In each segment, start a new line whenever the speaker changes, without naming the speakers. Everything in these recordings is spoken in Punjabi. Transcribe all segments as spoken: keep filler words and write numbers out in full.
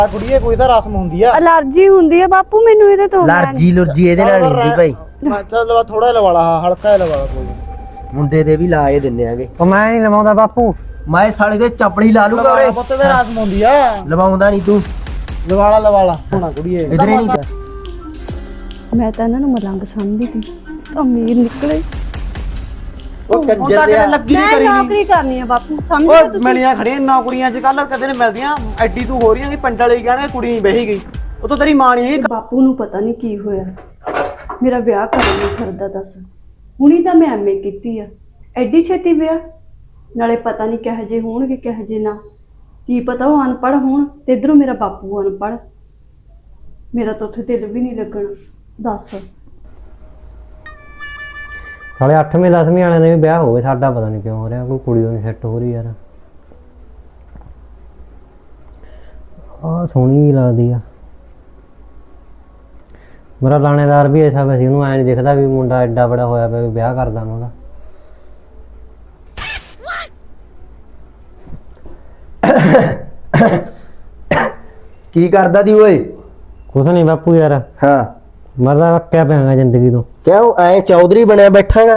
ਕੁੜੀਏ ਕੋਈ ਤਾਂ ਰਸਮ ਹੁੰਦੀ ਆ।
ਅਲਰਜੀ ਹੁੰਦੀ ਆ ਬਾਪੂ ਮੈਨੂੰ ਇਹਦੇ ਤੋਂ।
ਅਲਰਜੀ ਲੁਰਜੀ ਇਹਦੇ ਨਾਲ ਨਹੀਂ ਹੁੰਦੀ ਭਾਈ।
ਮੈਂ ਚੱਲ ਲਵਾ ਥੋੜਾ ਜਿਹਾ ਲਵਾ ਲਾ, ਹਲਕਾ ਜਿਹਾ ਲਵਾ ਲਾ ਕੋਈ।
ਮੁੰਡੇ ਦੇ ਵੀ ਲਾ ਇਹ ਦਿੰਨੇ ਆਗੇ।
ਉਹ ਮੈਂ ਨਹੀਂ ਲਵਾਉਂਦਾ ਬਾਪੂ।
ਮੈਂ ਸਾਲੇ ਦੇ ਚਪੜੀ ਲਾ ਲੂਗਾ ਓਰੇ।
ਪੁੱਤ ਤੇ ਰਸਮ ਹੁੰਦੀ ਆ।
ਲਵਾਉਂਦਾ ਨਹੀਂ ਤੂੰ।
ਲਵਾ ਲਾ ਲਵਾ ਲਾ ਹੋਣਾ ਕੁੜੀਏ।
ਇਧਰੇ ਨਹੀਂ
ਮੈਂ ਤਾਂ ਇਹਨਾਂ ਨੂੰ ਮਲੰਗ ਸਮਝਦੀ ਸੀ, ਅਮੀਰ ਨਿਕਲੇ।
ਉਹ ਕੰਜਰ
ਤਾਂ
ਦੇ
ਕਿਤੇ ਲੱਗੀ ਨਹੀਂ
ਮੈਂ
ਕਰੀ
ਨੌਕਰੀ ਕਰਨੀ ਆ ਬਾਪੂ, ਸਮਝ
ਓਏ
ਲਓ ਤੁਸੀਂ।
ਮਿਲੀਆਂ ਖੜੀਆਂ ਨੌਕਰੀਆਂ ਅੱਜ ਕੱਲ ਕਦੇ ਨਹੀਂ ਮਿਲਦੀਆਂ। ਐਡੀ ਤੂੰ ਹੋ ਰਹੀਆਂ ਕਿ ਪਿੰਡ ਵਾਲੇ ਕਹਿਣਗੇ ਕੁੜੀ ਨਹੀਂ ਬਹੀ ਗਈ। ਉਹ ਤਾਂ ਤੇਰੀ ਮਾਂ ਨਹੀਂ।
ਬਾਪੂ ਨੂੰ ਪਤਾ ਨਹੀਂ ਕੀ ਹੋਇਆ, ਮੇਰਾ ਵਿਆਹ ਕਰਨ ਨੂੰ ਫਿਰਦਾ। ਦੱਸ ਹੁਣੀ ਤਾਂ ਮੈਂ ਐਮਏ ਕੀਤੀ ਆ, ਐਡੀ ਛੇਤੀ ਵਿਆਹ? ਨਾਲੇ ਪਤਾ ਨਹੀਂ ਕਿਹੋ ਜਿਹੇ ਹੋਣਗੇ ਕਿਹੋ ਜਿਹੇ ਨਾ, ਕੀ ਪਤਾ ਉਹ ਅਨਪੜ੍ਹ ਹੋਣ ਤੇ ਇਧਰੋਂ ਮੇਰਾ ਬਾਪੂ ਅਨਪੜ੍ਹ। ਮੇਰਾ ਤਾਂ ਉੱਥੇ ਦਿਲ ਵੀ ਨਹੀਂ ਲੱਗਣਾ। ਦੱਸ
ਸਾਲੇ ਅੱਠਵੇਂ ਦਸਵੀਂ ਵਾਲਿਆਂ ਦੇ ਵੀ ਵਿਆਹ ਹੋ ਗਏ, ਸਾਡਾ ਪਤਾ ਨਹੀਂ ਕਿਉਂ ਹੋ ਰਿਹਾ। ਕੋਈ ਕੁੜੀ ਉਹ ਨਹੀਂ ਸੈੱਟ ਹੋ ਰਹੀ ਯਾਰ। ਆਹ ਸੋਹਣੀ ਲੱਗਦੀ ਆ। ਮੇਰਾ ਲਾਣੇਦਾਰ ਵੀ ਐਸਾ ਵੈਸੇ ਉਹਨੂੰ ਐਂ ਨਹੀਂ ਦਿਖਦਾ ਵੀ ਮੁੰਡਾ ਐਡਾ ਬੜਾ ਹੋਇਆ ਪਿਆ ਵੀ ਵਿਆਹ ਕਰਦਾ ਮੈਂ ਉਹਦਾ।
ਕੀ ਕਰਦਾ ਦੀ ਓਏ?
ਕੁਛ ਨਹੀਂ ਬਾਪੂ ਯਾਰ,
ਹਾਂ
ਮੈਂ ਤਾਂ ਅੱਕਿਆ ਪਿਆਂਗਾ ਜ਼ਿੰਦਗੀ ਤੋਂ।
ਕਿਉਂ ਐ ਚੌਧਰੀ ਬਣਿਆ ਬੈਠਾਗਾ?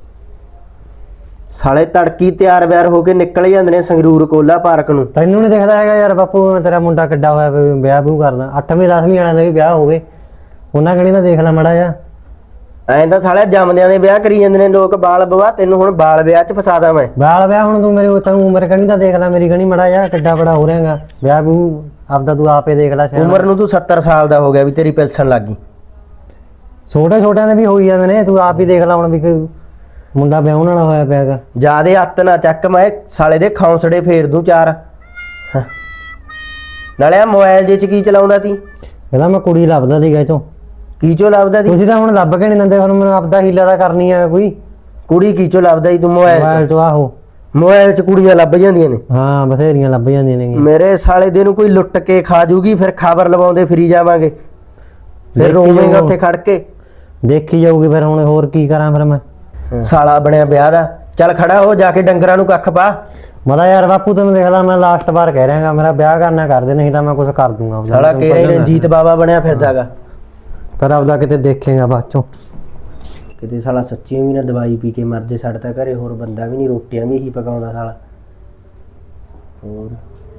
ਸਾਲੇ ਤੜਕੀ ਤਿਆਰ ਵਿਆਰ ਹੋ ਕੇ ਨਿਕਲ ਜਾਂਦੇ ਨੇ ਸੰਗਰੂਰ ਕੋਲਾ ਪਾਰਕ ਨੂੰ।
ਤੈਨੂੰ ਨਹੀਂ ਦਿਖਦਾ ਹੈਗਾ ਯਾਰ ਬਾਪੂ ਮੈਂ ਤੇਰਾ ਮੁੰਡਾ ਕਿੱਡਾ ਹੋਇਆ ਪਿਆ ਵੀ ਵਿਆਹ ਵਿਊਹ ਕਰਦਾ? ਅੱਠਵੀਂ ਦਸਵੀਂ ਵਾਲਿਆਂ ਦੇ ਵੀ ਵਿਆਹ ਹੋ ਗਏ, ਉਹਨਾਂ ਕਣੀ ਤਾਂ ਦੇਖ ਲੈ ਮਾੜਾ ਜਿਹਾ।
ਐਂ ਤਾਂ ਸਾਲੇ ਜੰਮਦਿਆਂ ਦੇ ਵਿਆਹ ਕਰੀ ਜਾਂਦੇ ਨੇ ਲੋਕ ਬਾਲ ਵਿਆਹ। ਤੈਨੂੰ ਹੁਣ ਬਾਲ ਵਿਆਹ ਚ ਫਸਾਦਾ ਮੈਂ।
ਬਾਲ ਵਿਆਹ ਹੁਣ ਤੂੰ ਮੇਰੀ ਤੈਨੂੰ ਉਮਰ ਕਣੀ ਤਾਂ ਦੇਖ ਲੈ, ਮੇਰੀ ਕਣੀ ਮਾੜਾ ਜਿਹਾ ਕਿੱਡਾ ਬੜਾ ਹੋ ਰਿਹਾਗਾ। ਵਿਆਹ ਵਿਊਹ ਆਪਦਾ ਤੂੰ ਆਪੇ ਦੇਖ ਲੈ।
ਉਮਰ ਨੂੰ ਤੂੰ ਸੱਤਰ ਸਾਲ ਦਾ ਹੋ ਗਿਆ ਵੀ ਤੇਰੀ ਪੈਨਸ਼ਨ ਲੱਗ ਗਈ।
ਛੋਟੇ ਛੋਟਿਆਂ ਦੇ ਵੀ ਹੋਈ ਜਾਂਦੇ ਨੇ, ਤੂੰ ਆਪ ਹੀ ਦੇਖ ਲੈ ਹੁਣ ਵੀ ਕੋਈ ਮੁੰਡਾ ਵਿਆਹਣ ਵਾਲਾ ਹੋਇਆ ਪਿਆਗਾ।
ਜਿਆਦੇ ਹੱਥ ਨਾ ਚੱਕ, ਮੈਂ ਸਾਲੇ ਦੇ ਖੌਂਸੜੇ ਫੇਰ ਦੂੰ ਚਾਰ। ਹਾਂ। ਨਾਲੇ ਆ ਮੋਬਾਈਲ ਜੇ ਚ ਕੀ ਚਲਾਉਂਦਾ ਤੀ?
ਇਹਦਾ ਮੈਂ ਕੁੜੀ ਲੱਭਦਾ ਸੀਗਾ ਇਥੋਂ।
ਕੀ ਚੋ ਲੱਭਦਾ ਤੀ?
ਤੁਸੀਂ ਤਾਂ ਹੁਣ ਲੱਭ ਕੇ ਨਹੀਂ ਦਿੰਦੇ, ਹੁਣ ਮੈਨੂੰ ਆਪਦਾ ਹੀਲਾ ਤਾਂ ਕਰਨੀ ਆ ਕੋਈ।
ਕੁੜੀ ਕੀ ਚੋ ਲੱਭਦਾ ਤੀ ਤੂੰ? ਮੋਬਾਈਲ
ਮੋਬਾਈਲ
ਚ।
ਤੋਂ ਆਹੋ
ਮੋਬਾਈਲ ਚ ਕੁੜੀਆਂ ਲੱਭ ਜਾਂਦੀਆਂ ਨੇ।
ਹਾਂ ਬਥੇਰੀਆਂ ਲੱਭ ਜਾਂਦੀਆਂ ਨੇ।
ਮੇਰੇ ਸਾਲੇ ਦੇ ਨੂੰ ਕੋਈ ਲੁੱਟ ਕੇ ਖਾ ਜੂਗੀ, ਫਿਰ ਖਬਰ ਲਵਾਉਂਦੇ ਫਿਰੀ ਜਾਵਾਂਗੇ, ਫਿਰ ਰੋਵੇਂਗਾ ਉੱਥੇ ਖੜ ਕੇ।
ਦੇਖੀ ਜਾਊਗੀ ਫਿਰ ਹੁਣ, ਹੋਰ ਕੀ ਕਰਾਂ ਫਿਰ ਮੈਂ।
ਸਾਲਾ ਬਣਿਆ ਵਿਆਹ ਦਾ। ਚੱਲ ਖੜਾ ਹੋ, ਜਾ ਕੇ ਡੰਗਰਾਂ ਨੂੰ ਕੱਖ ਪਾ।
ਮਦਾ ਯਾਰ ਬਾਪੂ ਤੈਨੂੰ ਦੇਖ ਲਾ, ਮੈਂ ਲਾਸਟ ਵਾਰ ਕਹਿ ਰਿਹਾਗਾ ਮੇਰਾ ਵਿਆਹ ਕਰਨਾ ਕਰਦੇ, ਨਹੀਂ ਤਾਂ ਮੈਂ ਕੁਝ ਕਰ ਦੂੰਗਾ।
ਸਾਲਾ ਕਿਹੜੇ ਰਣਜੀਤ ਬਾਬਾ ਬਣਿਆ ਫਿਰਦਾਗਾ।
ਪਰ ਆਪਦਾ ਕਿਤੇ ਦੇਖੇਗਾ ਬਾਅਦ ਚੋਂ।
ਕਿਤੇ ਸਾਲਾ ਸੱਚੀ ਵੀ ਨਾ ਦਵਾਈ ਪੀ ਕੇ ਮਰ ਜੇ। ਸਾਡੇ ਤਾਂ ਘਰੇ ਹੋਰ ਬੰਦਾ ਵੀ ਨਹੀਂ, ਰੋਟੀਆਂ ਵੀ ਇਹੀ ਪਕਾਉਂਦਾ ਸਾਲਾ। ਹੋਰ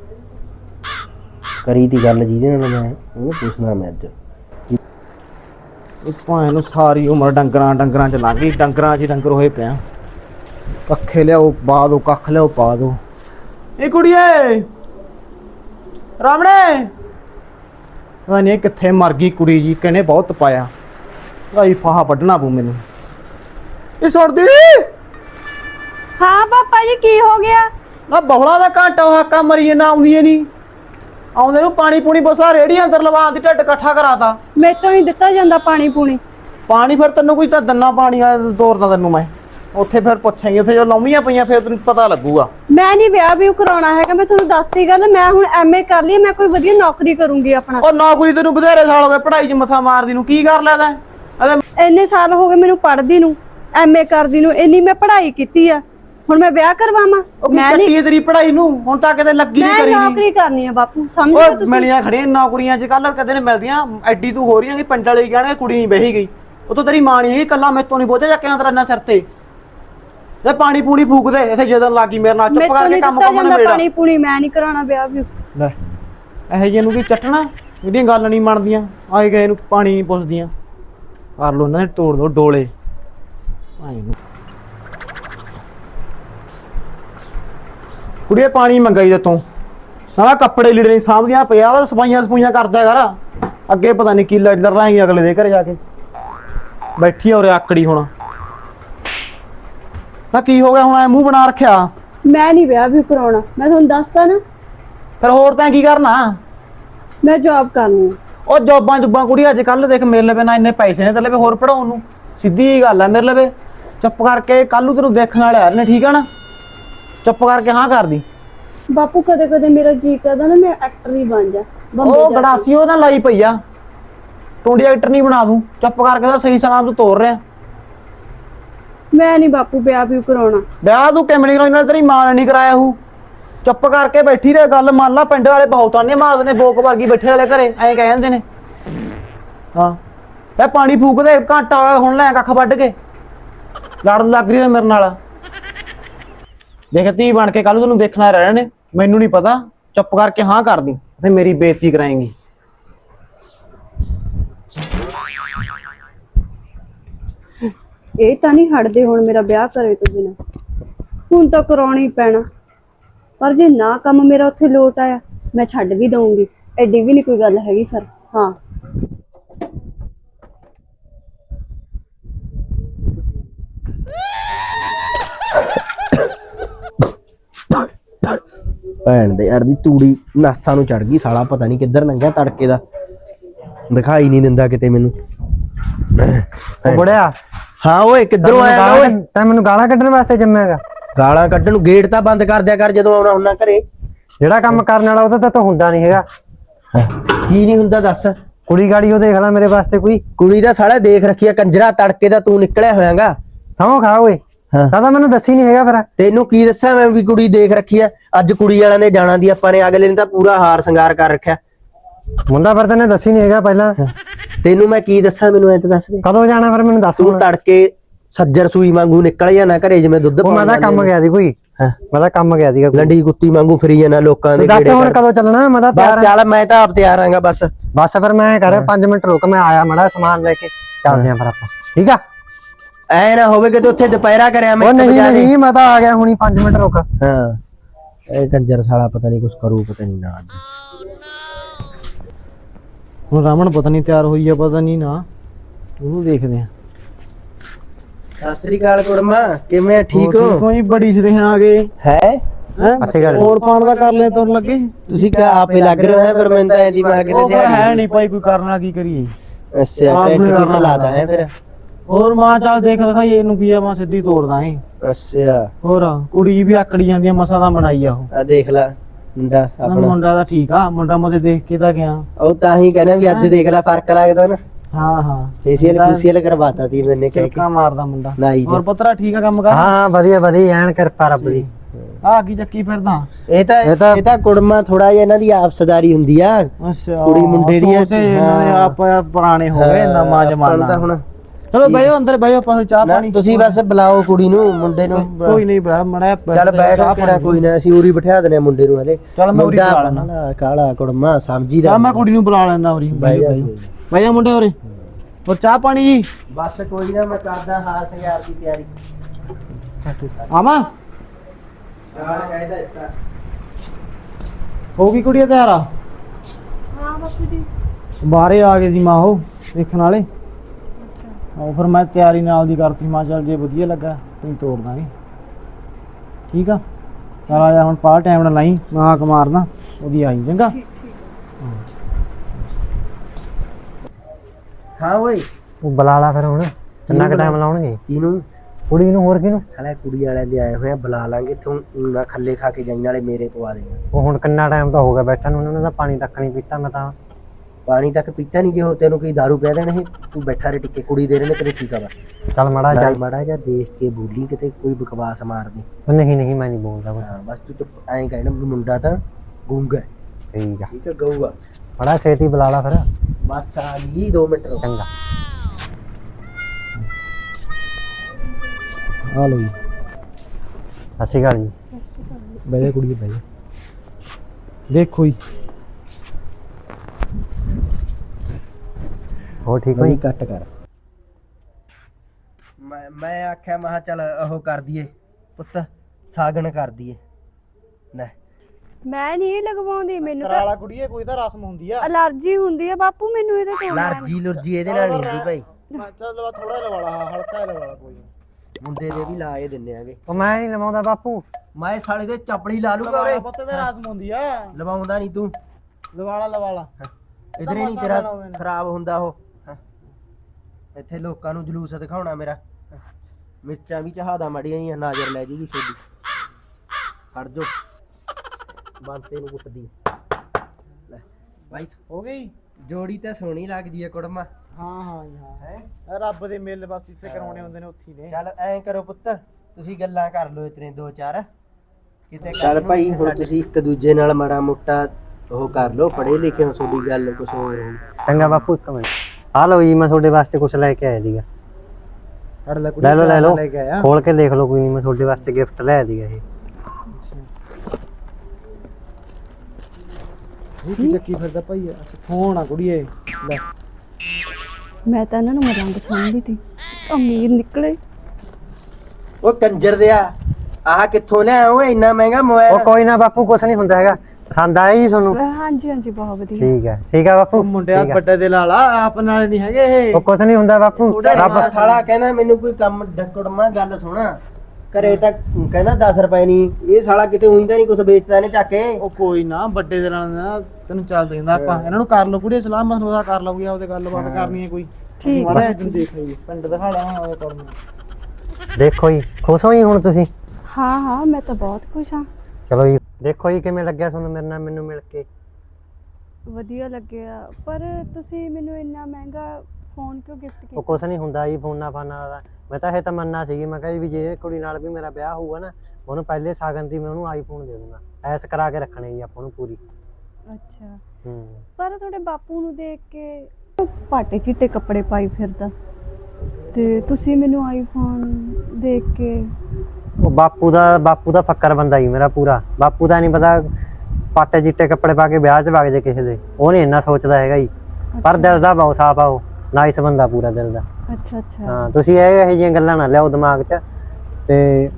ਕਰੀ ਤੀ ਗੱਲ ਜਿਹਦੇ ਨਾਲ ਮੈਂ ਉਹ ਪੁੱਛਣਾ ਮੈਂ ਅੱਜ।
ਭਾਵੇਂ ਨੂੰ ਸਾਰੀ ਉਮਰ ਡੰਗਰਾਂ ਡੰਗਰਾਂ ਚ ਲੰਘ ਗਈ, ਡੰਗਰਾਂ ਚ ਡੰਗਰ ਹੋਏ ਪਿਆ। ਕੱਖੇ ਲਿਆਓ ਪਾ ਦੋ, ਕੱਖ ਲਿਆਓ ਪਾ ਦੋ। ਇਹ ਕੁੜੀਏ ਰਾਮਣੇ ਪਤਾ ਨਹੀਂ ਕਿੱਥੇ ਮਰ ਗਈ ਕੁੜੀ ਜੀ, ਕਹਿੰਦੇ ਬਹੁਤ ਪਾਇਆ। ਭਾਈ ਫਾਹਾ ਵੱਢਣਾ ਪਊ ਮੈਨੂੰ। ਇਹ ਸੁਣਦੀ
ਹਾਂ ਪਾਪਾ ਜੀ ਕੀ ਹੋ ਗਿਆ?
ਨਾ ਬਹਲਾ ਦਾ ਘੰਟਾ ਹਾਕਾ ਮਰੀ ਨਾ ਆਉਂਦੀ ਨਹੀਂ। ਆਉਂਦੇ ਨੂੰ ਪਾਣੀ ਪੂਣੀ ਬਸਾ ਰੇੜੀ ਅੰਦਰ ਲਵਾ ਦੀ, ਢਿੱਡ ਇਕੱਠਾ ਕਰਾਤਾ।
ਮੇਰੇ ਤੋਂ ਹੀ ਦਿੱਤਾ ਜਾਂਦਾ ਪਾਣੀ ਪੂਣੀ।
ਪਾਣੀ ਫਿਰ ਤੈਨੂੰ ਕੋਈ ਤਾਂ ਦੰਨਾ ਪਾਣੀ ਆ ਤੋਰਦਾ ਤੈਨੂੰ ਮੈਂ। ਉੱਥੇ ਫਿਰ ਪੁੱਛਾਂਗੇ, ਉੱਥੇ ਜੋ ਲਾਉਣੀਆਂ ਪਈਆਂ ਫਿਰ ਤੈਨੂੰ ਪਤਾ ਲੱਗੂਗਾ।
ਮੈਂ ਨਹੀਂ ਵਿਆਹ ਵੀ ਕਰਾਉਣਾ ਹੈਗਾ, ਮੈਂ ਤੁਹਾਨੂੰ ਦੱਸਤੀ ਗੱਲ। ਮੈਂ ਹੁਣ ਐਮਏ ਕਰ ਲਈ, ਮੈਂ ਕੋਈ ਵਧੀਆ ਨੌਕਰੀ ਕਰੂੰਗੀ ਆਪਣਾ।
ਉਹ ਨੌਕਰੀ ਤੈਨੂੰ ਬਥੇਰੇ ਸਾਲ ਹੋ ਗਏ ਪੜ੍ਹਾਈ 'ਚ ਮੱਥਾ ਮਾਰਦੀ ਨੂੰ, ਕੀ ਕਰ ਲਿਆ ਤੈਂ?
ਇੰਨੇ ਸਾਲ ਹੋ ਗਏ ਮੈਨੂੰ ਪੜ੍ਹਦੀ ਨੂੰ, ਐਮਏ ਕਰਦੀ ਨੂੰ। ਇੰਨੀ ਮੈਂ ਪੜ੍ਹਾਈ ਕੀਤੀ ਆ, ਹੁਣ ਮੈਂ ਵਿਆਹ ਕਰਵਾਵਾਂ?
ਮੈਂ ਨਹੀਂ ਤੇਰੀ ਪੜ੍ਹਾਈ ਨੂੰ ਹੁਣ ਤਾਂ ਕਿਤੇ ਲੱਗੀ ਨਹੀਂ ਕਰੀ।
ਮੈਂ ਨੌਕਰੀ ਕਰਨੀ ਆ ਬਾਪੂ, ਸਮਝ ਲਓ
ਓਏ
ਤੁਸੀਂ।
ਮਿਲੀਆਂ ਖੜੀਆਂ ਨੌਕਰੀਆਂ ਅੱਜ ਕੱਲ ਕਦੇ ਨਹੀਂ ਮਿਲਦੀਆਂ। ਐਡੀ ਤੂੰ ਹੋ ਰਹੀਆਂ ਕਿ ਪਿੰਡ ਵਾਲੇ ਕਹਿਣਗੇ ਕੁੜੀ ਨਹੀਂ ਬਹੀ ਗਈ। ਉਹ ਤਾਂ ਤੇਰੀ ਮਾਂ ਨਹੀਂ ਹੈਗੀ, ਕੱਲਾ ਮੈਥੋਂ ਨਹੀਂ ਬੋਝਾ ਚੱਕਿਆ ਤੇਰਾ ਇੰਨਾ ਸਿਰ ਤੇ। ਤੇ ਪਾਣੀ ਪੂਣੀ ਫੂਕ ਦੇ ਇੱਥੇ ਜਦੋਂ ਲੱਗੀ ਮੇਰੇ ਨਾਲ। ਚੁੱਪ ਕਰਕੇ ਕੰਮ ਕੰਮ ਨਾ ਮੇੜਾ।
ਪਾਣੀ ਪੂਣੀ ਮੈਂ ਨਹੀਂ ਕਰਾਉਣਾ ਵਿਆਹ ਵੀ।
ਲੈ ਇਹੋ ਜਿਹੇ ਨੂੰ ਕੀ ਚੱਟਣਾ, ਜਿਹੜੀਆਂ ਗੱਲ ਨਹੀਂ ਮੰਨਦੀਆਂ। ਆਏ ਗਏ ਨੂੰ ਪਾਣੀ ਨਹੀਂ ਪੁੱਛਦੀਆਂ। ਕਰ ਲੋ ਇਹਨਾਂ ਦੇ ਤੋੜ ਦੋ ਡੋਲੇ। ਕੁੜੀਏ ਪਾਣੀ ਮੰਗਾਈ ਜਤੋਂ ਸਾਲਾ, ਕੱਪੜੇ ਲੀੜੇ ਨਹੀਂ ਸਾਂਭਦੀਆਂ ਪਿਆ। ਉਹ ਸਫਾਈਆਂ ਸਫਾਈਆਂ ਕਰਦਾ ਕਰ ਅੱਗੇ। ਪਤਾ ਨਹੀਂ ਕੀ ਲੜ ਲਾਂਗੇ ਅਗਲੇ ਦੇ ਘਰੇ ਜਾ ਕੇ। ਬੈਠੀ ਹੋ ਆਕੜੀ ਹੁਣ। ਨਾ ਕੀ ਹੋ ਗਿਆ ਹੁਣ ਐ ਮੂੰਹ ਬਣਾ ਰੱਖਿਆ?
ਮੈਂ ਨਹੀਂ ਵਿਆਹ ਵੀ ਕਰਾਉਣਾ, ਮੈਂ ਤੁਹਾਨੂੰ ਦੱਸਤਾ ਨਾ।
ਫਿਰ ਹੋਰ ਤੈਂ ਕੀ ਕਰਨਾ?
ਮੈਂ ਜੌਬ ਕਰਨੀ।
ਉਹ ਜੋਬਾਂ ਜੁਬਾਂ ਕੁੜੀ ਅੱਜ ਕੱਲ ਦੇਖ ਮੇਰੇ ਲਵੇ ਨਾ ਇੰਨੇ ਪੈਸੇ ਨੇ ਤੇਰੇ ਲਵੇ ਹੋਰ ਪੜਾਉਣ ਨੂੰ। ਸਿੱਧੀ ਜੀ ਗੱਲ ਆ ਮੇਰੇ ਲਵੇ। ਚੁੱਪ ਕਰਕੇ ਕੱਲ ਨੂੰ ਤੈਨੂੰ ਦੇਖਣ ਵਾਲੇ ਆ ਰਹੇ ਨੇ, ਠੀਕ ਆ ਨਾ? ਚੁੱਪ ਕਰਕੇ ਹਾਂ ਕਰਦੀ।
ਬਾਪੂ ਕਦੇ ਕਦੇ ਮੇਰਾ ਜੀ ਕਰਦਾ ਨਾ ਮੈਂ ਐਕਟਰ ਹੀ ਬਣ ਜਾ।
ਉਹ ਗੜਾਸੀ ਉਹ ਨਾ ਲਾਈ ਪਈ ਆ, ਟੁੰਡੀ ਐਕਟਰ ਨਹੀਂ ਬਣਾ ਦੂੰ। ਚੁੱਪ ਕਰਕੇ ਤਾਂ ਸਹੀ ਸਲਾਮ ਤੂੰ ਤੋਰ ਰਿਹਾ।
ਮੈਂ ਨਹੀਂ ਬਾਪੂ ਵਿਆਹ ਵੀ ਕਰਾਉਣਾ।
ਵਿਆਹ ਤੂੰ ਕਿਵੇਂ ਨਹੀਂ ਕਰਾਉਣਾ? ਤੇਰੀ ਮਾਂ ਨੇ ਨਹੀਂ ਕਰਾਇਆ ਹੂ। ਚੁੱਪ ਕਰਕੇ ਬੈਠੀ ਰਹੇ, ਗੱਲ ਮੰਨ ਲਾ। ਪਿੰਡ ਵਾਲੇ ਬਹੁਤ ਆਨੇ ਮਾਰਦੇ ਨੇ, ਬੋਕ ਵਰਗੀ ਬੈਠੇ ਵਾਲੇ ਘਰੇ ਐਂ ਕਹਿ ਜਾਂਦੇ ਨੇ। ਹਾਂ ਇਹ ਪਾਣੀ ਫੂਕ ਦੇ, ਘੰਟਾ ਹੋਇਆ ਹੁਣ ਲੈ ਕੱਖ ਵੱਢ ਕੇ ਲੜਨ ਲੱਗ ਰਹੀ ਹੈ ਮੇਰੇ ਨਾਲ। ਦੇਖ ਧੀ ਬਣ ਕੇ ਕੱਲ ਨੂੰ ਤੈਨੂੰ ਦੇਖਣਾ ਰਹਿਣਾ ਨੇ, ਮੈਨੂੰ ਨਹੀਂ ਪਤਾ। ਚੁੱਪ ਕਰਕੇ ਹਾਂ ਕਰਦੀ ਤੇ ਮੇਰੀ ਬੇਇੱਜ਼ਤੀ ਕਰਾਏਂਗੀ।
ਇਹ ਤਾਂ ਨਹੀਂ ਹਟਦੇ ਹੁਣ ਮੇਰਾ ਵਿਆਹ ਕਰੇ ਤੋਂ ਬਿਨਾਂ। ਹੁਣ ਤਾਂ ਕਰਾਉਣਾ ਹੀ ਪੈਣਾ, ਪਰ ਜੇ ਨਾ ਕੰਮ ਮੇਰਾ ਉੱਥੇ ਲੋਟ ਆਇਆ ਮੈਂ ਛੱਡ ਵੀ ਦਊਂਗੀ, ਐਡੀ ਵੀ ਨਹੀਂ ਕੋਈ ਗੱਲ ਹੈਗੀ ਸਰ। ਹਾਂ
ਭੈਣ ਦੇ ਯਾਰ ਦੀ ਤੂੜੀ ਨਾਸਾਂ ਨੂੰ ਚੜ ਗਈ ਸਾਲਾ, ਪਤਾ ਨਹੀਂ ਕਿੱਧਰ ਲੰਘਿਆ ਤੜਕੇ ਦਾ, ਦਿਖਾਈ ਨਹੀਂ ਦਿੰਦਾ ਕਿਤੇ ਮੈਨੂੰ।
ਉਹ ਬੜਿਆ
ਹਾਂ ਓਏ ਕਿੱਧਰੋਂ ਆਇਆ ਓਏ?
ਤੈਂ ਮੈਨੂੰ ਗਾਲਾਂ ਕੱਢਣ ਵਾਸਤੇ ਜੰਮਿਆਗਾ?
ਗਾਲਾਂ ਕੱਢਣ ਨੂੰ ਗੇਟ ਤਾਂ ਬੰਦ ਕਰ ਦਿਆ ਕਰ ਜਦੋਂ ਆਉਣਾ ਹੁੰਦਾ ਘਰੇ।
ਜਿਹੜਾ ਕੰਮ ਕਰਨ ਵਾਲਾ ਉਹਦਾ ਤਾਂ ਤੂੰ ਹੁੰਦਾ ਨਹੀਂ ਹੈਗਾ।
ਕੀ ਨਹੀਂ ਹੁੰਦਾ ਦੱਸ?
ਕੁੜੀ ਗਾੜੀ ਉਹ ਦੇਖ ਲੈ ਮੇਰੇ ਵਾਸਤੇ ਕੋਈ।
ਕੁੜੀ ਦਾ ਸਾਲਾ ਦੇਖ ਰੱਖੀ ਆ ਕੰਜਰਾ, ਤੜਕੇ ਦਾ ਤੂੰ ਨਿਕਲਿਆ ਹੋਇਆਗਾ।
ਸੌਂ ਖਾ ਓਏ, ਕਹਦਾ ਮੈਨੂੰ ਦੱਸੀ ਨਹੀਂ ਹੈਗਾ ਫਿਰ।
ਤੈਨੂੰ ਕੀ ਦੱਸਾਂ ਮੈਂ ਵੀ ਕੁੜੀ ਦੇਖ ਰੱਖੀ ਆ। ਅੱਜ ਕੁੜੀ ਵਾਲਿਆਂ ਨੇ ਜਾਣਾ ਦੀ ਆਪਾਂ ਨੇ, ਅਗਲੇ ਨੇ ਤਾਂ ਪੂਰਾ ਹਾਰ ਸ਼ਿੰਗਾਰ ਕਰ ਰੱਖਿਆ।
ਮੁੰਡਾ ਫਿਰ ਤੈਨੇ ਦੱਸੀ ਨਹੀਂ ਹੈਗਾ ਪਹਿਲਾਂ।
ਤੈਨੂੰ ਮੈਂ ਕੀ ਦੱਸਾਂ, ਮੈਨੂੰ ਐ ਤਾਂ ਦੱਸ ਦੇ
ਕਦੋਂ ਜਾਣਾ ਫਿਰ ਮੈਨੂੰ ਦੱਸ।
ਤੂੰ ਤੜਕੇ ਸੱਜਰ ਸੂਈ ਵਾਂਗੂ ਨਿਕਲ ਜਾਣਾ ਘਰੇ ਜਿਵੇਂ ਦੁੱਧ
ਮੈਂ ਤਾਂ ਕੰਮ ਗਿਆ ਸੀ ਕੋਈ। ਮੈਂ ਤਾਂ ਕੰਮ ਗਿਆ ਸੀਗਾ।
ਲੰਡੀ ਕੁੱਤੀ ਵਾਂਗੂ ਫਿਰੀ ਜਾਣਾ ਲੋਕਾਂ ਦੇ।
ਦੱਸ ਹੁਣ ਕਦੋਂ ਚੱਲਣਾ? ਮੈਂ ਤਾਂ ਤਿਆਰ
ਚੱਲ ਮੈਂ ਤਾਂ ਆਪ ਤਿਆਰ ਆਂਗਾ ਬਸ।
ਬਸ ਫਿਰ ਮੈਂ ਕਰ ਪੰਜ ਮਿੰਟ ਰੁਕ, ਮੈਂ ਆਇਆ ਮਾੜਾ ਸਮਾਨ ਲੈ ਕੇ, ਚੱਲਦੇ ਆਂ ਫਿਰ ਆਪਾਂ। ਠੀਕ ਆ?
ਐ ਨਾ ਹੋਵੇ ਕਿ ਉੱਥੇ ਦੁਪਹਿਰਾ ਕਰਿਆ ਮੈਂ।
ਉਹ ਨਹੀਂ ਨਹੀਂ ਮੈਂ ਤਾਂ ਆ ਗਿਆ ਹੁਣੀ, ਪੰਜ ਮਿੰਟ ਰੁਕ।
ਹਾਂ ਇਹ ਕੰਜਰ ਸਾਲਾ ਪਤਾ ਨਹੀਂ ਕੁਛ ਕਰੂ, ਪਤਾ ਨਹੀਂ ਨਾ।
ਹੁਣ ਰਾਮਣ ਪਤਾ ਨਹੀਂ ਤਿਆਰ ਹੋਈ ਆ, ਪਤਾ ਨਹੀਂ ਨਾ, ਉਹਨੂੰ ਦੇਖਦੇ ਆ।
ਸਤਿ ਸ੍ਰੀ ਅਕਾਲ ਕੁੜਮਾ, ਕਿਵੇਂ ਠੀਕ ਹੋ?
ਕੋਈ ਜੀ, ਬੜੀ ਸਦੇ ਆ ਗਏ
ਹੈ
ਅਸੀਂ ਗੱਲ
ਹੋਰ ਪਾਣ ਦਾ ਕਰ ਲੈ ਤੁਰਨ ਲੱਗੇ।
ਤੁਸੀਂ ਕਿਹਾ ਆਪੇ ਲੱਗ ਰਹੇ ਹੋ, ਪਰ ਮੈਨੂੰ ਤਾਂ ਐਂ ਦਿਮਾਗ ਕਿਤੇ
ਉਹ ਹੈ ਨਹੀਂ ਭਾਈ ਕੋਈ ਕਰਨ ਵਾਲਾ, ਕੀ ਕਰੀਏ।
ਅੱਛਾ ਟੈਂਟ ਕਿੰਨਾ ਲਾਦਾ ਹੈ ਫਿਰ?
ਹੋਰ ਮਾਂ ਚੱਲ ਦੇਖ ਦਿਖਾਈ ਇਹਨੂੰ ਕੀ ਆ, ਮਾਂ ਸਿੱਧੀ ਤੋੜਦਾ ਏ।
ਅੱਛਾ
ਹੋਰ ਕੁੜੀ ਵੀ ਆਕੜੀ ਜਾਂਦੀ ਆ, ਮਸਾ ਦਾ ਮਨਾਈ ਆ ਉਹ।
ਆ ਦੇਖ ਲੈ ਮੁੰਡਾ ਆਪਣਾ।
ਮੁੰਡਾ ਤਾਂ ਠੀਕ ਆ, ਮੁੰਡਾ ਮੋਦੇ ਦੇਖ ਕੇ ਤਾਂ ਗਿਆ।
ਉਹ ਤਾਂ ਹੀ ਕਹਿੰਦਾ ਵੀ ਅੱਜ ਦੇਖ ਲੈ ਫਰਕ ਲੱਗਦਾ ਨਾ।
ਹਾਂ ਹਾਂ
ਫੇਸ਼ੀਅਲ ਫੇਸ਼ੀਅਲ ਕਰਵਾਤਾ ਸੀ ਮੈਨੇ ਕਹਿ ਕੇ।
ਕਿੱਕਾ ਮਾਰਦਾ ਮੁੰਡਾ।
ਨਾਈ
ਹੋਰ ਪੁੱਤਰਾ ਠੀਕ ਆ ਕੰਮ ਕਰ?
ਹਾਂ ਹਾਂ ਵਧੀਆ ਵਧੀਆ, ਐਨ ਕਿਰਪਾ ਰੱਬ ਦੀ।
ਆ ਕੀ ਚੱਕੀ ਫਿਰਦਾ?
ਇਹ ਤਾਂ
ਇਹ ਤਾਂ-
ਇਹ ਤਾਂ ਕੁੜਮਾ ਥੋੜਾ ਜਿਹਾ ਇਹਨਾਂ ਦੀ ਆਪਸਦਾਰੀ ਹੁੰਦੀ ਆ।
ਅੱਛਾ
ਕੁੜੀ ਮੁੰਡੇ ਦੀ ਆ।
ਸੋਚੇ ਇਹਨਾਂ ਦੇ ਆਪ ਪੁਰਾਣੇ ਹੋ ਗਏ, ਨਵਾਂ
ਤਾਂ
ਜਮਾਨਾ।
ਹੁਣ
ਚਲੋ ਬਹਿਓ ਅੰਦਰ, ਬਹਿਓ ਆਪਾਂ ਚਾਹ
ਨਾ
ਪਾਣੀ।
ਤੁਸੀਂ ਬਸ ਬੁਲਾਓ ਕੁੜੀ ਨੂੰ, ਮੁੰਡੇ ਨੂੰ।
ਕੋਈ ਨਹੀਂ ਬੜਾ ਮੜਾ
ਚੱਲ ਬੈਠ ਕੇ ਕੋਈ ਨਾ, ਅਸੀਂ ਉਰੀ ਬਿਠਾ ਦਨੇ ਮੁੰਡੇ ਨੂੰ ਹਲੇ।
ਚੱਲ ਮੈਂ ਉਰੀ
ਮੁੰਡਾ
ਬੁਲਾ ਲੈਣਾ।
ਕਾਲਾ ਕਾਲਾ ਕੁੜਮਾ ਸਮਝੀ ਦਾ।
ਚੱਲ ਮੈਂ ਕੁੜੀ ਨੂੰ ਬੁਲਾ ਲੈਣਾ ਉਰੀ। ਬਹਿਓ ਬਹਿਓ ਬਹਿਓ ਮੁੰਡੇ ਉਰੇ। ਹੋਰ ਚਾਹ ਪਾਣੀ ਜੀ?
ਬਸ ਕੋਈ ਨਾ, ਮੈਂ ਕਰਦਾ ਹਾਲ ਸ਼ਿੰਗਾਰ ਦੀ ਤਿਆਰੀ।
ਆਵਾਂ?
ਨਾਲ ਕਹਿਦਾ ਦਿੱਤਾ।
ਹੋ ਗਈ ਕੁੜੀ ਤਿਆਰ ਆ?
ਹਾਂ ਬਾਪੂ ਜੀ।
ਬਾਹਰੇ ਆ ਗਏ ਸੀ ਮਾਂ ਉਹ ਦੇਖਣ ਵਾਲੇ। ਉਹ ਫਿਰ ਮੈਂ ਤਿਆਰੀ ਨਾਲ ਦੀ ਕਰਤੀ, ਮਾਂ ਚੱਲ ਜੇ ਵਧੀਆ ਲੱਗਾ ਤੂੰ ਤੋੜ ਦਾਂਗੇ। ਠੀਕ ਆ ਚੱਲ ਆ ਜਾ ਹੁਣ, ਪਾਰ ਟਾਈਮ ਨਾਲ ਲਾਈ, ਮੈਂ ਹਾਕ ਮਾਰਦਾ ਉਹਦੀ ਆਈ। ਚੰਗਾ
ਹਾਂ ਓਏ
ਉਹ ਬੁਲਾ ਲਾ ਫਿਰ ਹੁਣ। ਕਿੰਨਾ ਕੁ ਟਾਈਮ ਲਾਉਣਗੇ?
ਇਹਨੂੰ
ਕੁੜੀ ਨੂੰ ਹੋਰ ਕਿਹਨੂੰ?
ਸਾਲਾ ਕੁੜੀ ਵਾਲਿਆਂ ਦੇ ਆਏ ਹੋਏ ਆ, ਬੁਲਾ ਲਾਂਗੇ। ਤੂੰ ਨਾ ਖੱਲੇ ਖਾ ਕੇ ਜਾਈ, ਨਾਲੇ ਮੇਰੇ ਪਵਾ ਦੇ।
ਉਹ ਹੁਣ ਕਿੰਨਾ ਟਾਈਮ ਤਾਂ ਹੋ ਗਿਆ ਬੈਠਾ ਨੂੰ, ਉਹਨਾਂ ਦਾ ਪਾਣੀ ਤੱਕ ਨਹੀਂ ਪੀਤਾ ਮੈਂ ਤਾਂ।
ਪਾਣੀ ਤੱਕ ਪੀਤਾ ਨਹੀਂ, ਜੇ ਹੋਰ ਤੈਨੂੰ ਕੋਈ ਦਾਰੂ ਪਿਆ ਦੇਣ ਇਹ। ਤੂੰ ਬੈਠਾ ਰੇ ਟਿੱਕੇ, ਕੁੜੀ ਦੇ ਰਹੇ ਨੇ ਤੈਨੂੰ ਠੀਕ ਆ ਬਸ।
ਚੱਲ ਮਾੜਾ
ਨਾਲੇ
ਚੱਲ।
ਮਾੜਾ ਜਿਹਾ ਦੇਖ ਕੇ ਬੋਲੀ, ਕਿਤੇ ਕੋਈ ਬਕਵਾਸ ਮਾਰਦੀ।
ਉਹ ਨਹੀਂ ਨਹੀਂ ਮੈਂ ਨਹੀਂ ਬੋਲਦਾ ਕੁਛ।
ਹਾਂ ਬਸ ਤੂੰ ਚੁੱਪ ਐਂ ਕਹਿਣਾ ਵੀ ਮੁੰਡਾ ਤਾਂ ਗੂੰਗਾ ਹੈ।
ਠੀਕ ਆ,
ਠੀਕ ਹੈ ਗਊਗਾ।
ਮਾੜਾ ਛੇਤੀ ਬੁਲਾ ਲਾ ਫਿਰ।
ਬਸ ਆ ਗਈ, ਦੋ ਮਿੰਟ ਰੁਕ।
ਚੰਗਾ
ਆ ਲੋ ਜੀ।
ਸਤਿ ਸ਼੍ਰੀ ਅਕਾਲ ਜੀ।
ਬਹਿ ਜਾ ਕੁੜੀ, ਬਹਿ ਜਾ। ਦੇਖੋ ਜੀ
ਹੋਰ ਠੀਕ
ਕੋਈ
ਹੋਈ?
ਕੱਟ ਕਰ। ਮੈਂ ਮੈਂ ਆਖਿਆ ਮੈਂ ਕਿਹਾ ਚੱਲ ਉਹ ਕਰ ਦਈਏ ਪੁੱਤ, ਸਾਗਣ ਕਰ ਦਈਏ। ਲੈ
ਮੈਂ ਨਹੀਂ ਲਗਵਾਉਂਦੀ, ਮੈਨੂੰ ਤਾਂ
ਕਰਾਲਾ ਕੁੜੀਏ, ਕੋਈ ਤਾਂ ਰਸਮ ਹੁੰਦੀ ਆ।
ਅਲਰਜੀ ਹੁੰਦੀ ਆ ਬਾਪੂ, ਮੈਨੂੰ ਇਹਦੇ ਤੋਂ।
ਅਲਰਜੀ ਲੁਰਜੀ ਇਹਦੇ ਨਾਲ ਨਹੀਂ ਹੁੰਦੀ ਭਾਈ।
ਚੱਲ ਲਵਾ ਥੋੜਾ ਜਿਹਾ ਲਵਾ ਲਾ, ਹਲਕਾ ਜਿਹਾ ਲਵਾ ਲਾ ਕੋਈ।
ਮੁੰਡੇ ਦੇ ਵੀ ਲਾ ਇਹ ਦਿੰਨੇ ਆਗੇ।
ਉਹ ਮੈਂ ਨਹੀਂ ਲਵਾਉਂਦਾ ਬਾਪੂ।
ਮੈਂ ਸਾਲੇ ਦੇ ਚਪੜੀ ਲਾ ਲੂਗਾ ਉਰੇ।
ਪੁੱਤ ਤੇ ਰਸਮ ਹੁੰਦੀ ਆ।
ਲਵਾਉਂਦਾ ਨਹੀਂ ਤੂੰ।
ਲਵਾ ਲਾ ਲਵਾ ਲਾ।
ਇਧਰੇ ਨਹੀਂ ਤੇਰਾ ਖਰਾਬ ਹੁੰਦਾ ਉਹ। ਇੱਥੇ ਲੋਕਾਂ ਨੂੰ ਜਲੂਸ ਦਿਖਾਉਣਾ ਮੇਰਾ। ਮਿਰਚਾਂ ਵੀ ਚਹਾਦਾ ਮੜੀਆਂ ਹੀ, ਨਾਜ਼ਰ ਲੈ ਜੂਗੀ ਛੋਡੀ। ਹਟ ਜੋ ਬੰਤੇ ਨੂੰ ਕੁੱਟਦੀ। ਲੈ ਭਾਈ
ਹੋ ਗਈ
ਜੋੜੀ ਤਾਂ ਸੋਹਣੀ ਲੱਗਦੀ ਹੈ ਕੁੜਮਾ।
ਹਾਂ ਹਾਂ ਜੀ, ਹਾਂ ਹੈ ਰੱਬ ਦੇ ਮੇਲ ਬਸ ਇੱਥੇ ਕਰਾਉਣੇ ਹੁੰਦੇ ਨੇ, ਉੱਥੇ ਨੇ।
ਚੱਲ ਐਂ ਕਰੋ ਪੁੱਤ, ਤੁਸੀਂ ਗੱਲਾਂ ਕਰ ਲਓ ਇਤਨੇ ਦੋ ਚਾਰ। ਕਿਤੇ ਚੱਲ ਭਾਈ ਹੁਣ ਤੁਸੀਂ ਇੱਕ ਦੂਜੇ ਨਾਲ ਮਾੜਾ ਮੋਟਾ ਉਹ ਕਰ ਲਓ, ਪੜ੍ਹੇ ਲਿਖੇ ਹੋ, ਤੁਹਾਡੀ ਗੱਲ ਕੁਛ ਹੋਰ ਹੋਊ।
ਚੰਗਾ ਬਾਪੂ ਇੱਕ ਮਿੰਟ ਆ ਲਓ ਜੀ, ਮੈਂ ਤੁਹਾਡੇ ਵਾਸਤੇ ਕੁਝ ਲੈ ਕੇ ਆਇਆ ਸੀਗਾ।
ਛੱਡ ਲੈ ਕੁੜੀ
ਲੈ ਲਓ ਲੈ ਲਓ,
ਲੈ ਕੇ ਆਇਆ
ਖੋਲ ਕੇ ਦੇਖ ਲਓ, ਕੋਈ ਨਹੀਂ, ਮੈਂ ਤੁਹਾਡੇ ਵਾਸਤੇ ਗਿਫਟ ਲੈ ਦੀਗਾ ਇਹ।
ਇਹ ਕੀ ਚੱਕੀ ਫਿਰਦਾ ਭਾਈ ਫੋਨ ਆ ਕੁੜੀਏ ਲੈ
ਮੈਂ ਤਾਂ ਇਹਨਾਂ ਨੂੰ ਮਰੰਗ ਸਮਝਦੀ ਸੀ, ਅਮੀਰ ਨਿਕਲੇ।
ਉਹ ਕੰਜਰ ਦਿਆ ਆਹ ਕਿੱਥੋਂ ਲਿਆ ਓਏ ਇੰਨਾ ਮਹਿੰਗਾ
ਉਹ
ਮੋਬਾਈਲ?
ਕੋਈ ਨਾ ਬਾਪੂ, ਕੁਛ ਨਹੀਂ ਹੁੰਦਾ ਹੈਗਾ। ਪਸੰਦ ਆਇਆ ਜੀ ਤੁਹਾਨੂੰ?
ਹਾਂਜੀ ਹਾਂਜੀ ਬਹੁਤ ਵਧੀਆ।
ਠੀਕ ਹੈ ਠੀਕ ਹੈ ਬਾਪੂ,
ਉਹ ਮੁੰਡਿਆ
ਠੀਕ ਹੈ।
ਵੱਡੇ ਦਿਲ ਵਾਲਾ ਆਪ ਨਾਲ ਨਹੀਂ ਹੈਗੇ ਇਹ
ਉਹ ਕੁਛ ਨਹੀਂ ਹੁੰਦਾ ਬਾਪੂ, ਰੱਬ
ਰੱਬ ਸਾਲਾ ਕਹਿੰਦਾ ਮੈਨੂੰ ਕੋਈ ਕੰਮ ਡੱਕੜਮਾ ਗੱਲ ਸੁਣਾ ਘਰੇ ਤਾਂ ਕਹਿੰਦਾ ਦਸ ਰੁਪਏ ਨਹੀਂ, ਇਹ ਸਾਲਾ ਕਿਤੇ ਉਹੀ ਤਾਂ ਨਹੀਂ ਕੁਝ ਵੇਚਦਾ ਇਹਨੇ ਚੱਕ ਕੇ।
ਉਹ ਕੋਈ ਨਾ ਵੱਡੇ ਦਿਲ ਨਾਲ ਨਾ ਤੈਨੂੰ ਚੱਲ ਦਿੰਦਾ ਆਪਾਂ ਇਹਨਾਂ ਨੂੰ ਕਰ ਲਓ ਕੁੜੀਏ ਸਲਾਹ ਮਸਲਾ ਕਰ ਲਓਗੇ ਆਪਦੇ ਗੱਲਬਾਤ ਕਰਨੀ ਹੈ ਕੋਈ
ਠੀਕ
ਮਾੜਾ ਜਿਹਾ ਤੈਨੂੰ ਦੇਖ ਲਈਏ ਪਿੰਡ ਦਿਖਾ ਲੈਣਾ ਹੋਵੇ ਕਰਨਾ
ਦੇਖੋ ਜੀ, ਖੁਸ਼ ਹੋ ਜੀ ਹੁਣ ਤੁਸੀਂ?
ਹਾਂ ਹਾਂ ਮੈਂ ਤਾਂ ਬਹੁਤ ਖੁਸ਼ ਹਾਂ।
ਚਲੋ ਜੀ, ਦੇਖੋ ਜੀ ਕਿਵੇਂ ਲੱਗਿਆ ਤੁਹਾਨੂੰ ਮੇਰੇ ਨਾਲ ਮੈਨੂੰ ਮਿਲ ਕੇ?
ਵਧੀਆ ਲੱਗਿਆ, ਪਰ ਤੁਸੀਂ ਮੈਨੂੰ ਇੰਨਾ ਮਹਿੰਗਾ ਫੋਨ ਕਿਉਂ ਗਿਫਟ
ਉਹ
ਕੀਤਾ?
ਕੁਛ ਨਹੀਂ ਹੁੰਦਾ ਜੀ ਫੋਨਾਂ ਫਾਨਾਂ ਦਾ। ਮੈਂ ਤਾਂ ਇਹ ਤਮੰਨਾ ਸੀਗੀ, ਮੈਂ ਕਿਹਾ ਜੀ ਵੀ ਜੇ ਕੁੜੀ ਨਾਲ ਵੀ ਮੇਰਾ ਵਿਆਹ ਹੋਊਗਾ ਨਾ, ਉਹਨੂੰ ਪਹਿਲੇ ਸਾਗਨ ਦੀ ਮੈਂ ਉਹਨੂੰ ਆਈਫੋਨ ਦੇ ਦੂੰਗਾ, ਐਸ ਕਰਾ ਕੇ ਰੱਖਣੀ ਜੀ ਆਪਾਂ ਨੂੰ ਪੂਰੀ।
ਅੱਛਾ,
ਹੂੰ
ਪਰ ਤੁਹਾਡੇ ਬਾਪੂ ਨੂੰ ਦੇਖ ਕੇ ਪਾਟੇ ਚਿੱਟੇ ਕੱਪੜੇ ਪਾਈ ਫਿਰਦਾ, ਤੇ ਤੁਸੀਂ ਮੈਨੂੰ ਆਈਫੋਨ ਦੇਖ ਕੇ।
ਉਹ ਬਾਪੂ ਦਾ ਬਾਪੂ ਦਾ ਫੱਕਰ ਬੰਦਾ ਜੀ ਮੇਰਾ ਪੂਰਾ। ਬਾਪੂ ਦਾ ਨਹੀਂ ਪਤਾ ਪਾਟੇ ਚਿੱਟੇ ਕੱਪੜੇ ਪਾ ਕੇ ਵਿਆਹ 'ਚ ਵਗ ਜੇ ਕਿਸੇ ਦੇ, ਉਹ ਨਹੀਂ ਇੰਨਾ ਸੋਚਦਾ ਹੈਗਾ ਜੀ। ਪਰ ਦਿਲ ਦਾ ਬਹੁਤ ਸਾਫ ਆ ਉਹ, ਨਾਈਸ ਬੰਦਾ ਪੂਰਾ ਦਿਲ ਦਾ।
ਅੱਛਾ ਅੱਛਾ।
ਹਾਂ, ਤੁਸੀਂ ਇਹ ਇਹੋ ਜਿਹੀਆਂ ਗੱਲਾਂ ਨਾ ਲਿਆਓ ਦਿਮਾਗ 'ਚ। ਤੇ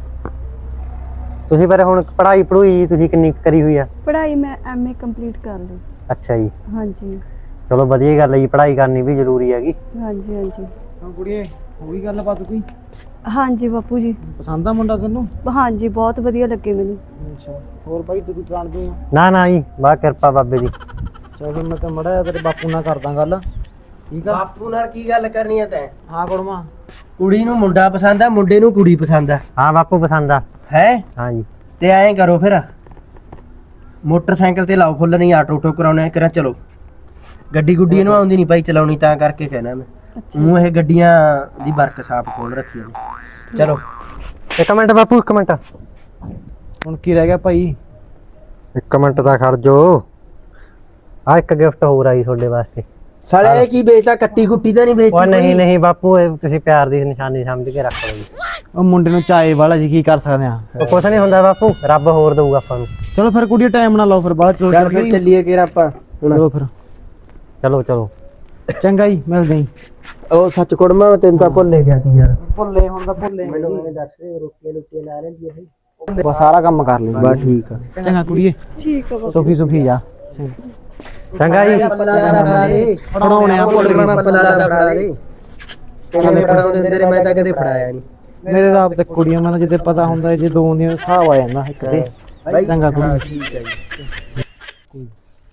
ਤੁਸੀਂ ਪਰ ਹੁਣ ਪੜ੍ਹਾਈ ਪੜੂਈ ਤੁਸੀਂ ਕਿੰਨੀ ਕੁ ਕਰੀ ਹੋਈ ਆ?
ਪੜ੍ਹਾਈ ਮੈਂ ਐਮ ਏ ਕੰਪਲੀਟ ਕਰ ਲਈ।
ਅੱਛਾ ਜੀ,
ਹਾਂਜੀ
ਚਲੋ ਵਧੀਆ ਗੱਲ ਹੈ ਜੀ, ਪੜ੍ਹਾਈ ਕਰਨੀ ਵੀ ਜ਼ਰੂਰੀ ਹੈਗੀ।
ਹਾਂਜੀ ਹਾਂਜੀ
ਹਾਂ ਕੁੜੀਏ ਹੋ ਗਈ ਗੱਲਬਾਤ ਕੋਈ
ਹਾਂਜੀ ਬਾਪੂ ਜੀ।
ਪਸੰਦ ਆ ਮੁੰਡਾ ਤੈਨੂੰ?
ਹਾਂਜੀ ਬਹੁਤ ਵਧੀਆ ਲੱਗੇ ਮੈਨੂੰ।
ਅੱਛਾ ਹੋਰ ਭਾਈ ਤੂੰ ਕੋਈ ਜਾਣਦੇ ਆ?
ਨਾ ਨਾ ਜੀ, ਬਾ ਕਿਰਪਾ ਬਾਬੇ ਦੀ।
ਚਲ ਫਿਰ ਮੈਂ ਤਾਂ ਮੜਾ ਜਿਹਾ ਤੇਰੇ ਬਾਪੂ ਨਾਲ ਕਰਦਾ ਗੱਲ, ਠੀਕ ਆ?
ਬਾਪੂ ਨਾਲ ਕੀ ਗੱਲ ਕਰਨੀ ਆ ਤੈਂ?
ਹਾਂ ਕੁੜਮਾ
ਕੁੜੀ ਨੂੰ ਮੁੰਡਾ ਪਸੰਦ ਆ, ਮੁੰਡੇ ਨੂੰ ਕੁੜੀ ਪਸੰਦ ਆ
ਹਾਂ ਬਾਪੂ ਪਸੰਦ ਆ।
ਹੈ?
ਹਾਂ ਜੀ,
ਤੇ ਐਂ ਕਰੋ ਫਿਰ ਮੋਟਰਸਾਈਕਲ ਤੇ ਲਾਓ ਫੁੱਲ, ਨਹੀਂ ਆਟੋ ਟੋ ਕਰਾਉਣਾ ਕਰਾਂ। ਚਲੋ ਗੱਡੀ ਗੁੱਡੀ ਇਹਨੂੰ ਆਉਂਦੀ ਨਹੀਂ ਭਾਈ ਚਲਾਉਣੀ, ਤਾਂ ਕਰਕੇ ਕਹਿਣਾ ਮੈਂ। ਮੂੰਹ ਇਹ ਗੱਡੀਆਂ ਦੀ ਵਰਕਸ਼ਾਪ ਖੋਲ ਰੱਖੀ ਹੈ। ਚਲੋ
ਇੱਕ ਮਿੰਟ ਬਾਪੂ, ਇੱਕ ਮਿੰਟ
ਹੁਣ ਕੀ ਰਹਿ ਗਿਆ ਭਾਈ?
ਇੱਕ ਮਿੰਟ ਦਾ ਖੜ ਜੋ। ਆ ਇੱਕ ਗਿਫਟ ਹੋਰ ਆਈ ਤੁਹਾਡੇ ਵਾਸਤੇ।
ਸਾਲੇ ਇਹ ਕੀ ਵੇਚਦਾ? ਕੱਟੀ ਕੁੱਟੀ ਤਾਂ ਨਹੀਂ ਵੇਚਦੀ?
ਉਹ ਨਹੀਂ
ਕੋਈ?
ਨਹੀਂ ਬਾਪੂ, ਇਹ ਤੁਸੀਂ ਪਿਆਰ ਦੀ ਨਿਸ਼ਾਨੀ ਸਮਝ ਕੇ ਰੱਖ ਲਓ ਜੀ।
ਉਹ ਮੁੰਡੇ ਨੂੰ ਚਾਏ ਵਾਲਾ ਜੀ, ਕੀ ਕਰ ਸਕਦੇ ਆ?
ਉਹ ਕੁਛ ਨਹੀਂ ਹੁੰਦਾ ਬਾਪੂ, ਰੱਬ ਹੋਰ ਦਊਗਾ ਆਪਾਂ ਨੂੰ।
ਚਲੋ ਫਿਰ ਕੁੜੀਏ ਟਾਈਮ ਨਾ ਲਾਓ ਫਿਰ ਬਾਅਦ ਚਲੋ
ਚੱਲ ਫਿਰ ਚੱਲੀਏ ਕਿ ਆਪਾਂ ਹੁਣ।
ਚਲੋ ਫਿਰ
ਚਲੋ ਚਲੋ
ਚੰਗਾ ਜੀ, ਮਿਲਦੇ ਜੀ।
ਉਹ ਸੱਚ ਕੁੜਮਾ ਮੈਂ ਤੈਨੂੰ ਤਾਂ ਭੁੱਲੇ ਗਿਆ ਸੀ ਯਾਰ।
ਭੁੱਲੇ ਹੁਣ ਤਾਂ ਭੁੱਲੇ
ਮੈਨੂੰ ਇਹਨੇ ਦੱਸ ਦੇ ਰੋਟੀਆਂ ਰੋਟੀਆਂ ਲਾ ਲੈਂਦੀ ਹੈ ਭਾਈ।
ਬਸ ਸਾਰਾ ਕੰਮ ਕਰ ਲਈ
ਬਸ ਠੀਕ ਆ।
ਚੰਗਾ ਕੁੜੀਏ,
ਠੀਕ ਆ ਬਾਪੂ।
ਸੁਖੀ ਸੁਖੀ ਜਾ।
ਚੰਗਾ ਜੀ।
ਫੜਾਉਣੇ ਆ ਭੁੱਲ ਗਏ।
ਫੜਾ ਦੇ ਕਿਵੇਂ ਫੜਾਉਂਦੇ ਹੁੰਦੇ ਨੇ, ਮੈਂ ਤਾਂ ਕਦੇ ਫੜਾਇਆ ਨਹੀਂ।
ਮੇਰੇ ਦਾ ਆਪ ਤੇ ਕੁੜੀਆਂ ਮੈਂ ਤਾਂ ਜਿੱਦੇ ਪਤਾ ਹੁੰਦਾ ਜੇ ਦੋ ਹੁੰਦੀਆਂ ਹਿਸਾਬ ਆ ਜਾਂਦਾ ਇੱਕ ਤੇ। ਚੰਗਾ ਕੁੜੀ,
ਠੀਕ ਹੈ ਜੀ।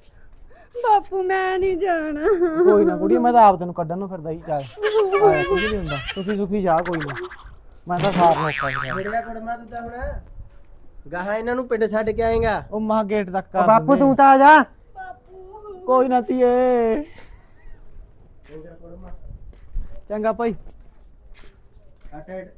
ਬਾਪੂ ਮੈਂ ਨਹੀਂ ਜਾਣਾ।
ਕੋਈ ਨਾ ਕੁੜੀ, ਮੈਂ ਤਾਂ ਆਪ ਤੈਨੂੰ ਕੱਢਣ ਨੂੰ ਫਿਰਦਾ ਹੀ। ਚੱਲ ਆਇਆ ਕੁਝ ਨਹੀਂ ਹੁੰਦਾ, ਸੁਖੀ ਸੁਖੀ ਜਾ, ਕੋਈ ਨਾ। ਮੈਂ ਤਾਂ ਸਾਰ ਨੂੰ ਔਖਾ ਸੀਗਾ।
ਮੇਰਾ ਕੁੜਮਾ ਤੂੰ ਤਾਂ ਹੁਣ ਗਾਹਾਂ ਇਹਨਾਂ ਨੂੰ ਪਿੰਡ ਛੱਡ ਕੇ ਆਏਗਾ।
ਉਹ ਮਹਾ ਗੇਟ ਤੱਕ ਕਰ
ਬਾਪੂ
ਦਿੰਦੇ।
ਤੂੰ ਤਾਂ ਆ ਜਾ।
ਕੋਈ ਨਾ ਧੀਏ। ਚੰਗਾ ਭਾਈ।